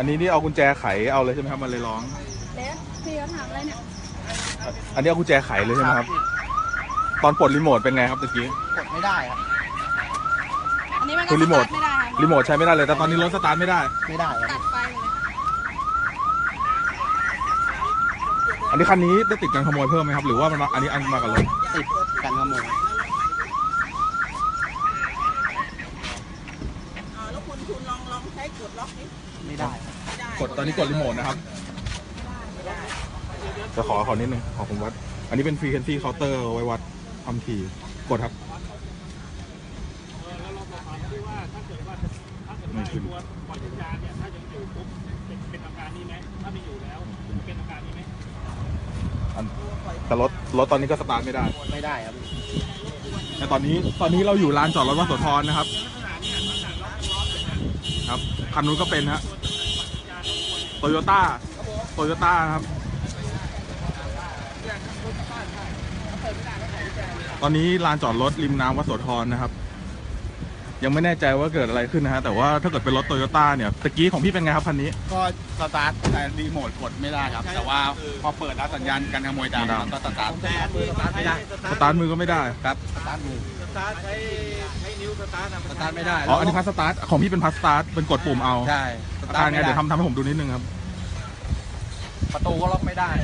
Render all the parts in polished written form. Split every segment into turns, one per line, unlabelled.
นี้นี่เอากุญแจไขเอาเลยใช่ไหมครับมันเลยร้อง
แล้วพี่เขาถามอะไรเนี่ย
อันนี้เอากุญแจไขเลยใช่ไหมครับตอนปลดรีโมทเป็นไงครับตะกี้
กดไม่ได้ครับ
อันนี้มันก็สตาร์ทไม่ได้
รีโมทใช้ไม่ได้เลยแต่ตอนนี้รถสตาร์ทไม่ได้
ตัดไฟเลย
อันนี้คันนี้ได้ติดการขโมยเพิ่มไหมครับหรือว่ามันอันนี้มากับรถ
ติดกันขโมย
แล้วคุณลองใช้กดล็อกนี้
ไม่ได้
กดตอนนี้กดรีโมทนะครับจะขอนิดนึงขอผมวัดอันนี้เป็นฟรีแคนซี่เคาน์เตอร์ไว้วัดความถี่กดครับไม่ขึ้นแต่รถตอนนี้ก็สตาร์ทไม่ได้
ครับ
แต่ตอนนี้เราอยู่ลานจอดรถวัดโสธรนะครับครับคันนู้นก็เป็นฮะโตโยต้าครับตอนนี้ลานจอดรถริมน้ำวัดโสธรนะครับยังไม่แน่ใจว่าเกิดอะไรขึ้นนะฮะแต่ว่าถ้าเกิดเป็นรถโตโยต้าเนี่ยตะกี้ของพี่เป็นไงครับคันนี้
ก็สตาร์ทแต่รีโมทกดไม่ได้ครับแต่ว่าพอเปิดแล้วสัญญาณการขโมยดังก็สตาร์ทไม่ได้
สตาร์ทมือก็ไม่ได้
ครับสตาร์ทมือใช้นิ้วสตาร์ทไม่ได้
อ๋ออันนี้พัสสตาร์ทของพี่เป็นพัสสตาร์ทเป็นกดปุ่มเอา
ใช่
สตาร์ทไงเดี๋ยวทำให้ผมดูนิดนึงครับ
ประตูก็ล็อกไม่ได้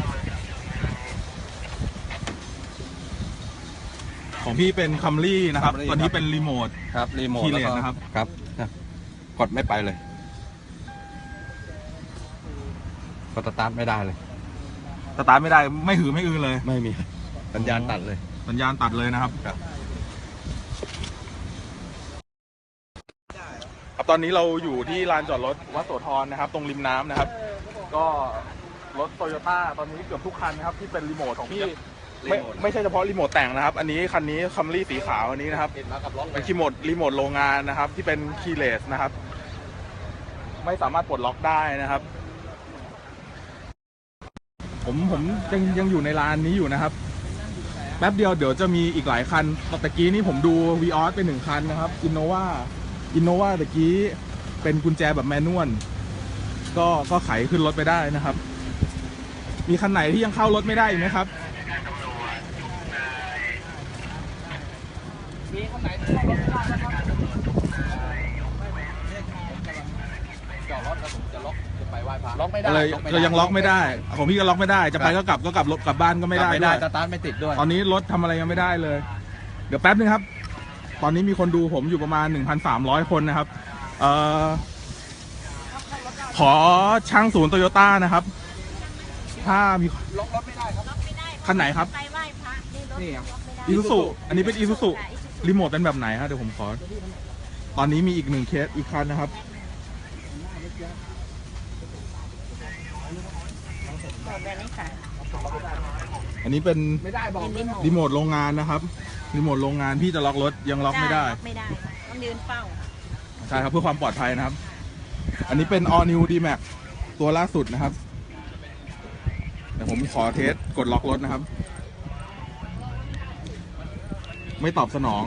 ของพี่เป็นคัมรี่นะครับตอนนี้เป็นรีโมท
ครับรีโมท
คีย์เลสนะครับ
ครับกดไม่ไปเลยก็สตาร์ทไม่ได้เลย
สตาร์ทไม่ได้ไม่หือไม่อือเลย
ไม่มีสัญญาณตัดเลย
นะครับตอนนี้เราอยู่ที่ลานจอดรถวัดโสธรนะครับตรงริมน้ำนะครับก็รถโตโยต้าตอนนี้เกือบทุกคันนะครับที่เป็นรีโมทของพี่ไม่ใช่เฉพาะรีโมทแต่งนะครับอันนี้คันนี้คัมรี่สีขาวอันนี้นะครับเป็นรีโมทโรงงานนะครับที่เป็นคีย์เลสนะครับไม่สามารถปลดล็อกได้นะครับผมยังอยู่ในลานนี้อยู่นะครับแป๊บเดียวเดี๋ยวจะมีอีกหลายคันตะกี้นี่ผมดูวีออสเป็น1คันนะครับอินโนวาตะกี้เป็นกุญแจแบบแมนนวลก็ไขขึ้นรถไปได้นะครับมีคันไหนที่ยังเข้ารถไม่ได้อีกไหมครับ
มีคันไหนที่เข้ารถไม่ได้นะครับจอดรถแล้วผมจะล็อกจะไปไหว้พระล็อกไม่ได้
เลยก็ยังล็อกไม่ได้ของพี่ก็ล็อกไม่ได้จะไปก็กลับกลับบ้านก็ไม่ได้ด้วย
สตาร์ทไม่ติดด้วย
ตอนนี้รถทำอะไรยังไม่ได้เลยเดี๋ยวแป๊บนึงครับตอนนี้มีคนดูผมอยู่ประมาณ 1,300 คนนะครับขอช่างศูนย์โตโยต้านะครับถ้ามี
ล็อกรถไม่ได้ครับ
คันไหนครับ
ไปไหว้พระ
นี่อีซูซุอันนี้เป็นอีซูซุรีโมทเป็นแบบไหนครับเดี๋ยวผมขอตอนนี้มีอีก1เคสอีกคันนะครับอันนี้เป็นรีโมทโรงงานนะครับรีโมทโรงงานพี่จะล็อกรถยังล็อกไม่ได้
ต้องยืนเฝ้า
ใช่ครับเพื่อความปลอดภัยนะครับอันนี้เป็น All New D-Max ตัวล่าสุดนะครับเดี๋ยวผมขอเทสกดล็อกรถนะครับไม่ตอบสนอง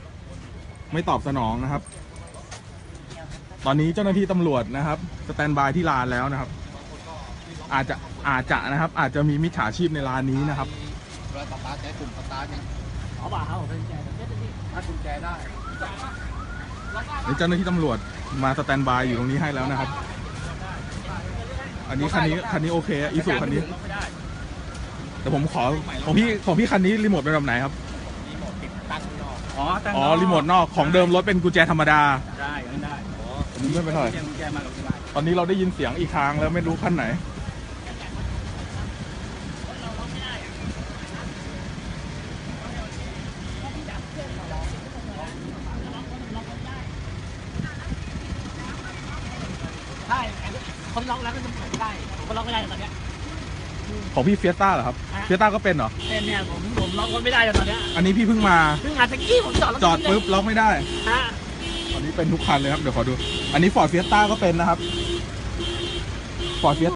นะครับตอนนี้เจ้าหน้าที่ตำรวจนะครับสแตนบายที่ลานแล้วนะครับอาจจะนะครับอาจจะมีมิจฉาชีพในร้านนี้นะครับ
เวลาสตาร์ทใช้ปุ่มสตาร์ทเอาบ่าเขาเป็นกุญแจถ้ากุญแจได้
เจ้าหน้าที่ตำรวจมาสแตนบายอยู่ตรงนี้ให้แล้วนะครับอันนี้คันนี้โอเคอีซูคันนี้แต่ผมขอของพี่คันนี้รีโมทเป็นแบบไหนครับ
รีโมทติดตั้งนอก
อ๋อรีโมทนอกของเดิมรถเป็นกุญแจธรรมดา
ได้
อันนี้ไม่เป็นไรตอนนี้เราได้ยินเสียงอีกทางแล้วไม่รู้คันไหน
ใช่คนล็อกแล้วก็จะเปิดได้คนล็อกไม่ได้ตอนนี้
ของพี่เฟียสต้าเหรอครับเฟียสต้าก็เป็นเหรอ
เป็นเนี่ยผมล็อกรถไม่ได้ตอนนี้
อันนี้พี่เพิ่งมา
ตะกี้ผม
จอดปุ๊บล็อกไม่ได้ตอนนี้เป็นทุกคันเลยครับเดี๋ยวขอดูอันนี้ฟอร์ดเฟียสต้าก็เป็นนะครับฟอร์ดเฟียส